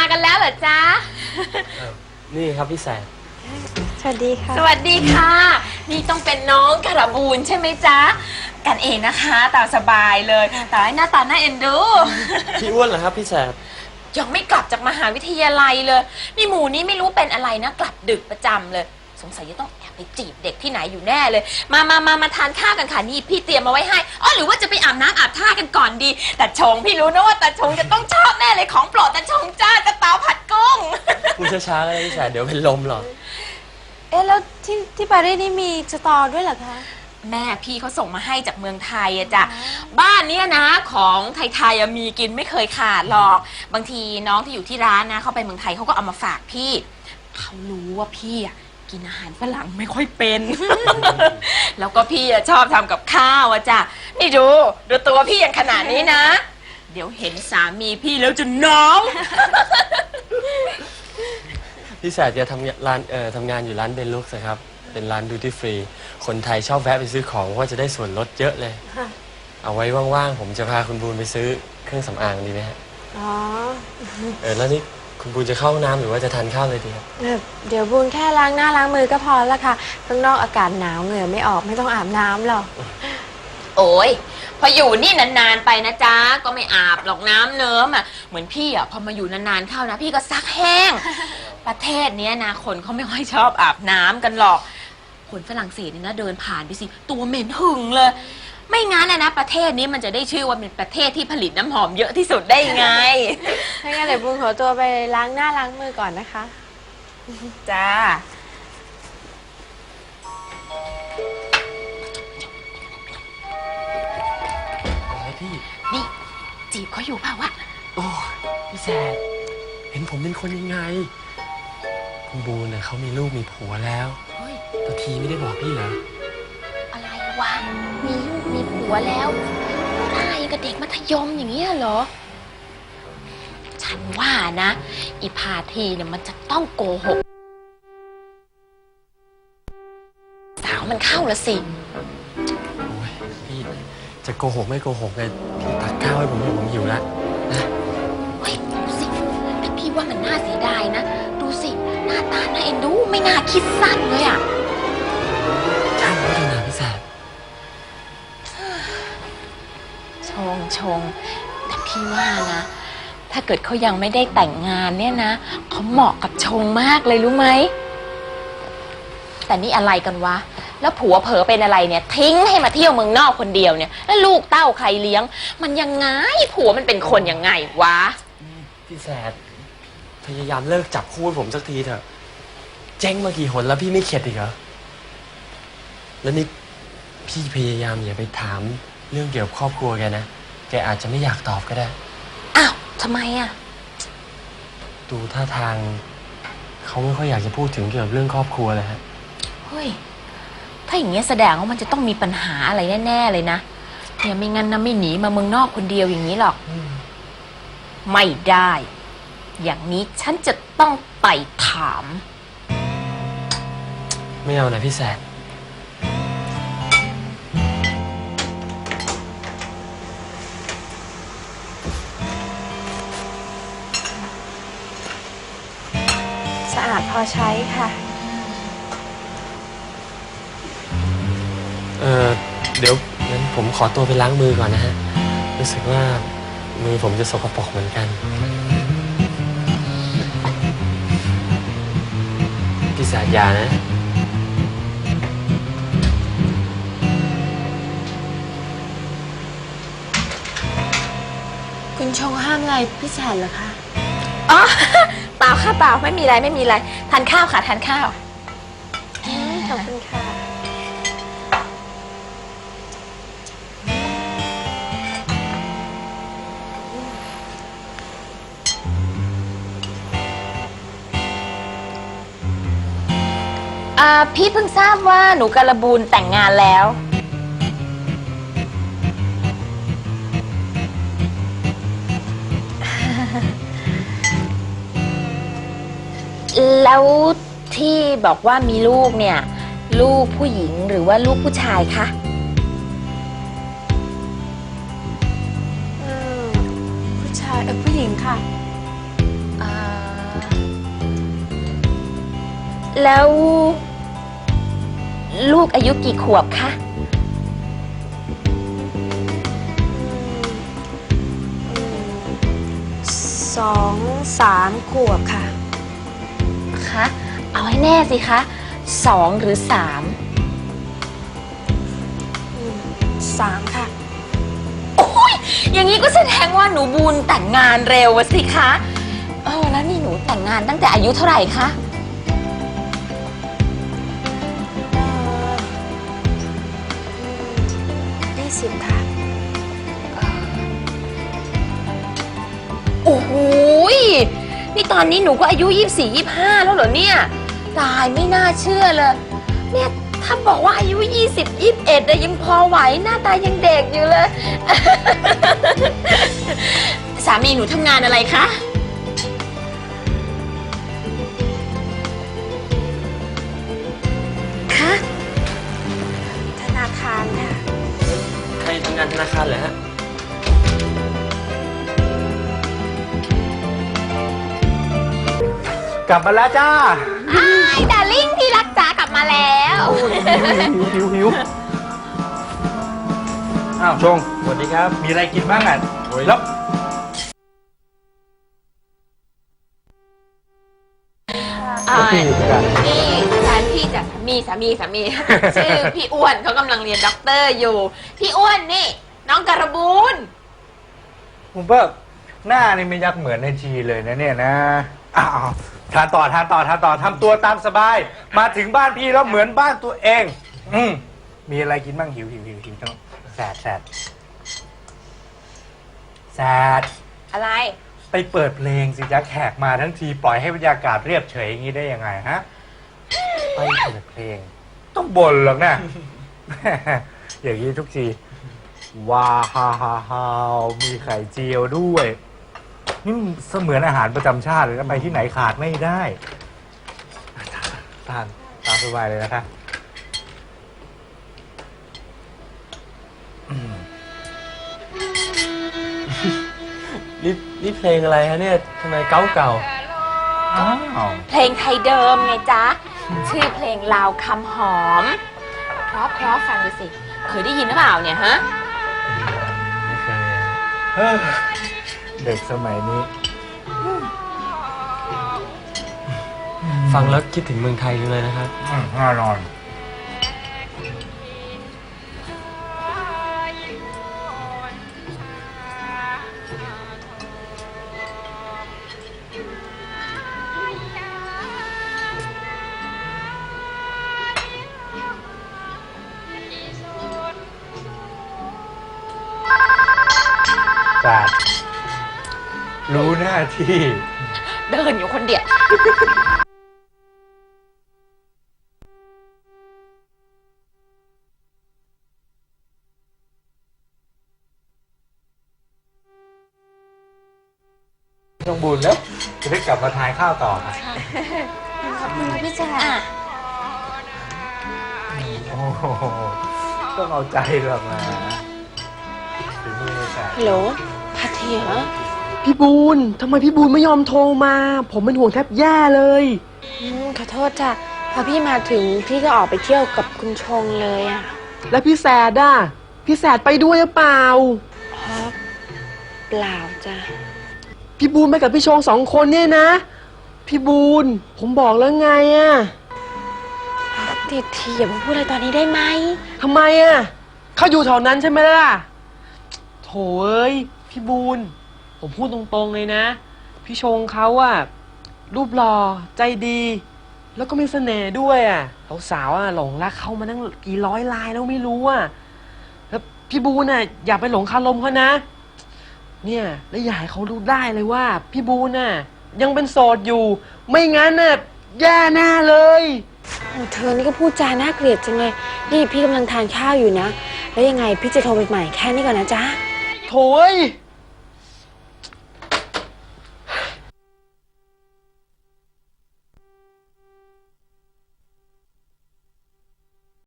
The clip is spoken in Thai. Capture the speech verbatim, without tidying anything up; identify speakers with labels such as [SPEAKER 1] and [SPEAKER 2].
[SPEAKER 1] กันแล้วเหรอจ๊ะ
[SPEAKER 2] นี่ครับพี่แสน
[SPEAKER 3] สวัสดีค่ะ
[SPEAKER 1] สวัสดีค่ะนี่ต้องเป็นน้องการบูนใช่ไหมจ๊ะกันเองนะคะตามสบายเลยแต่หน้าตาหน้าเอ็นดู
[SPEAKER 2] พี่อ้วนเหรอครับพี่แสน
[SPEAKER 1] ยังไม่กลับจากมหาวิทยาลัยเลยนี่หมูนี้ไม่รู้เป็นอะไรนะกลับดึกประจำเลยสงสัยจะต้องแอบไปจีบเด็กที่ไหนอยู่แน่เลยมามามามาทานข้าวกันค่ะนี่พี่เตรียมมาไว้ให้อ๋อหรือว่าจะไปอาบน้ำอาบท่ากันก่อนดีแต่ชงพี่รู้นะว่าแต่ชงจะต้องชอบแน่เลยของโปรดแต่ชงจ้ากระเตาผัดกุ้ง
[SPEAKER 2] พูดช้าๆก็ได้พี่แสนเดี๋ยวเป็นลมหรอก
[SPEAKER 3] เอ๊ะแล้วที่ที่ปารีสนี่มีสตอด้วยเหรอคะ
[SPEAKER 1] แม่พี่เขาส่งมาให้จากเมืองไทยอะจ้ะบ้านเนี้ยนะของไทยๆมีกินไม่เคยขาดหรอกบางทีน้องที่อยู่ที่ร้านนะเขาไปเมืองไทยเขาก็เอามาฝากพี่เขารู้ว่าพี่อะกินอาหารฝรั่งไม่ค่อยเป็น แล้วก็พี่อะชอบทำกับข้าวอะจ้ะนี่ดูดูตัวพี่อย่างขนาดนี้นะเดี๋ยวเห็นสามีพี่แล้วจะน้อง
[SPEAKER 2] พี่แสนจะทำร้านเอ่อทำงานอยู่ร้านเบนลุกส์ครับเป็นร้านดูตี้ฟรีคนไทยชอบแวะไปซื้อของเพราะว่าจะได้ส่วนลดเยอะเลยเอาไว้ว่างๆผมจะพาคุณบูนไปซื้อเครื่องสำอางดีไหมฮะ
[SPEAKER 3] อ๋อ
[SPEAKER 2] เออแล้วนี่คุณบูนจะเข้าห้องน้ำหรือว่าจะทานข้าวเลยดีครับ
[SPEAKER 3] เดี๋ยวบูนแค่ล้างหน้าล้างมือก็พอแล้วค่ะข้างนอกอากาศหนาวเหงื่อไม่ออกไม่ต้องอาบน้ำหรอก
[SPEAKER 1] โอ้ยพออยู่นี่นานๆไปนะจ๊ะก็ไม่อาบหรอกน้ำเนิ้มอ่ะเหมือนพี่อ่ะพอมาอยู่นานๆเข้านะพี่ก็ซักแห้ง ประเทศนี้นะคนเขาไม่ค่อยชอบอาบน้ำกันหรอกคนฝรั่งเศสเนี่ยนะเดินผ่านไปสิตัวเหม็นหึงเลยไม่งั้นนะนะประเทศนี้มันจะได้ชื่อว่าเป็นประเทศที่ผลิตน้ำหอมเยอะที่สุดได้ไง
[SPEAKER 3] ถ้างั้นเดี๋ยวบูนขอตัวไปล้างหน้าล้างมือก่อนนะคะ
[SPEAKER 1] จ้า
[SPEAKER 2] พี่
[SPEAKER 1] นี่จีบเขาอยู่เปล่าวะ
[SPEAKER 2] โอ้พี่แสนเห็นผมเป็นคนยังไงคุณบูนเนี่ยเขามีลูกมีผัวแล้ว
[SPEAKER 1] เฮ้ย
[SPEAKER 2] ตะทีไม่ได้บอกพี่เหรอ
[SPEAKER 1] อะไรวะมีลูกมีผัวแล้วตายกับเด็กมัธยมอย่างเงี้ยเหรอฉันว่านะอีพาทีเนี่ยมันจะต้องโกหกสาวมันเข้าละสิ
[SPEAKER 2] โอ้ยพี่จะโกหกไม่โกหกเลยพี่ตักข้าวให้ผมอยู่ผมหิวแล้วนะ
[SPEAKER 1] เฮ้ยดูสิแต่พี่ว่ามันน่าเสียดายนะดูสิหน้าตาน่าเอ็นดูไม่น่าคิดสั้นเลยอ่ะ
[SPEAKER 2] ช่างเขาเถอะนะพี่แสบ
[SPEAKER 1] ชงชงแต่พี่ว่านะถ้าเกิดเขายังไม่ได้แต่งงานเนี่ยนะเขาเหมาะกับชงมากเลยรู้ไหมแต่นี่อะไรกันวะแล้วผัวเผลอเป็นอะไรเนี่ยทิ้งให้มาเที่ยวเมืองนอกคนเดียวเนี่ยแล้วลูกเต้าใครเลี้ยงมันยังไงผัวมันเป็นคนยังไงวะ
[SPEAKER 2] พี่แสบพยายามเลิกจับคู่ผมสักทีเถอะเจ๊งมากี่หนแล้วพี่ไม่เข็ดอีกเหรอแล้วนี่พี่พยายามอย่าไปถามเรื่องเกี่ยวกับครอบครัวแกนะแกอาจจะไม่อยากตอบก็ได้
[SPEAKER 1] อ้าวทำไมอ่ะ
[SPEAKER 2] ดูท่าทางเขาไม่ค่อยอยากจะพูดถึงเกี่ยวกับเรื่องครอบครัวเลยฮะ
[SPEAKER 1] เฮ้ยถ้าอย่างเงี้ยแสดงว่ามันจะต้องมีปัญหาอะไรแน่ๆเลยนะเนี่ยไม่งั้นนะไม่หนีมาเมืองนอกคนเดียวอย่างนี้หรอกไม่ได้อย่างนี้ฉันจะต้องไปถาม
[SPEAKER 2] ไม่เอานะพี่แสบ
[SPEAKER 3] สะอาดพอใช้ค่ะ
[SPEAKER 2] เออเดี๋ยวงั้นผมขอตัวไปล้างมือก่อนนะฮะรู้สึกว่ามือผมจะสกปรกเหมือนกันพี่แสบยานะ
[SPEAKER 3] คุณชงห้ามอะไรพี่แสนเหรอคะ
[SPEAKER 1] อ๋อเปล่าค่ะเปล่าไม่มีอะไรไม่มีอะไรทานข้าวค่ะทานข้าว
[SPEAKER 3] ขอบคุณค่ะ
[SPEAKER 1] อ่าพี่เพิ่งทราบว่าหนูการบูนแต่งงานแล้วแล้วที่บอกว่ามีลูกเนี่ยลูกผู้หญิงหรือว่าลูกผู้ชายคะ
[SPEAKER 3] ผู้ชายเออผู้หญิงค่ะ
[SPEAKER 1] อ่าแล้วลูกอายุกี่ขวบคะ
[SPEAKER 3] สองสามขวบค่ะ
[SPEAKER 1] คะ เอาให้แน่สิคะสองหรือสาม
[SPEAKER 3] สามค่ะ
[SPEAKER 1] โอ้ยอย่างนี้ก็แสดงว่าหนูบูนแต่งงานเร็วอะสิคะเออแล้วนี่หนูแต่งงานตั้งแต่อายุเท่าไหร่คะ
[SPEAKER 3] ยี่สิบค่ะ
[SPEAKER 1] โอ้โหยนี่ตอนนี้หนูก็อายุยี่สิบสี่ ยี่สิบห้าแล้วเหรอเนี่ย ตายไม่น่าเชื่อเลย เนี่ยถ้าบอกว่าอายุยี่สิบ ยี่สิบเอ็ดยังพอไหวหน้าตายังเด็กอยู่เลย สามีหนูทำงานอะไรคะ คะ
[SPEAKER 3] ธนาคารค่ะ
[SPEAKER 2] ใครทำงานธนาคารเหรอฮะ
[SPEAKER 4] กลับมาแล้วจ้า
[SPEAKER 1] อ้ายดาริ่งที่รักจ๋ากลับมาแล้ว
[SPEAKER 4] หิวหิวหิวอ้าวชง
[SPEAKER 2] สวัสดีครับ
[SPEAKER 4] มีอะไรกินบ้างอ่ะ
[SPEAKER 2] โอ้ย
[SPEAKER 4] แล้ว
[SPEAKER 1] อ่า
[SPEAKER 4] พี่กัน
[SPEAKER 1] นี่แฟนพี่จะสามีสามีสามี ชื่อพี่อ้วนเขากำลังเรียนด็อกเตอร์อยู่ พี่อ้วนนี่ น้องการบูน
[SPEAKER 4] ผมว่าหน้านี่ไม่ยักเหมือนในทีเลยนะเนี่ยนะอ้าวทานต่อทานต่อทานต่อทำตัวตามสบาย มาถึงบ้านพี่แล้วเหมือนบ้านตัวเอง อืมมีอะไรกินบ้างหิวหิวหิวหิวต้องแสดแสดแสด
[SPEAKER 1] อะไร
[SPEAKER 4] ไปเปิดเพลงสิจ๊ะแขกมาทั้งทีปล่อยให้บรรยากาศเรียบเฉยอย่างนี้ได้ยังไงฮะ ไปเปิดเพลง ต้องบ่นหรอกนะ อย่างนี้ทุกทีว้าฮาฮาฮามีไข่เจียวด้วยนี่มันเสมือนอาหารประจำชาติเลยนะไปที่ไหนขาดไม่ได้ทานตามสบายเลยนะคะอืม
[SPEAKER 2] นี่นี่เพลงอะไรฮะเนี่ยทำไมเก่าเก่า
[SPEAKER 4] อ้าว
[SPEAKER 1] เพลงไทยเดิมไงจ๊ะ ชื่อเพลงลาวคำหอม เพราะเพราะฟังดูสิ เคยได้ยินหรือเปล่าเนี่ยฮะ
[SPEAKER 2] ไม่เคย
[SPEAKER 4] เฮ้ยเด็กสมัยนี้
[SPEAKER 2] ฟังแล้วคิดถึงเมืองไทยจังเลยนะครับ
[SPEAKER 4] อืมแน่นอน แต่รู้หน้าที่
[SPEAKER 1] เดินอยู่คนเดียว
[SPEAKER 4] ต้องบุญแล้ว จะได้กลับมาทานข้าวต่อค่ะ
[SPEAKER 3] ขอบคุณค่ะพี่แจ๊ค
[SPEAKER 1] อ่ะ
[SPEAKER 4] โอ้โหต้องเอาใจหรอกนะถึงมือเลยแต่
[SPEAKER 3] ฮัลโหลพัทยา
[SPEAKER 5] พี่บูนทำไมพี่บูนไม่ยอมโทรมา ผมเป็นห่วงแทบแย่เลย
[SPEAKER 3] อืมขอโทษจ้ะ พอพี่มาถึงพี่ก็ออกไปเที่ยวกับคุณชงเลยอะ
[SPEAKER 5] แล้วพี่แสดอ่ะ พี่แสดไปด้วยหรือเปล่า
[SPEAKER 3] ครับเปล่าจ้ะ
[SPEAKER 5] พี่บูนไปกับพี่ชงสองคนเนี่ยนะ พี่บูนผมบอกแล้วไงอ่ะ
[SPEAKER 3] ทีทีอย่ามาพูดอะไรตอนนี้ได้ไหม
[SPEAKER 5] ทำไมอ่ะเขาอยู่แถวนั้นใช่ไหมล่ะโถเอ้ยพี่บูนผมพูดตรงๆเลยนะ พี่ชงเขาอ่ะรูปหล่อใจดี แล้วก็มีเสน่ห์ด้วยอ่ะสาวๆอ่ะหลงรักเขามาตั้งกี่ร้อยลายแล้วไม่รู้อ่ะแล้วพี่บูนอ่ะอย่าไปหลงคารมเขานะ เนี่ยแล้วอย่าให้เขารู้ได้เลยว่า พี่บูนน่ะยังเป็นโสดอยู่ ไม่งั้นน่ะแย่แน่เลย
[SPEAKER 3] โอ้เธอนี่ก็พูดจาน่าเกลียดจังเลย นี่พี่กำลังทานข้าวอยู่นะ แล้วยังไงพี่จะโทรไปใหม่แค่นี้ก่อนนะจ๊ะ
[SPEAKER 5] โถย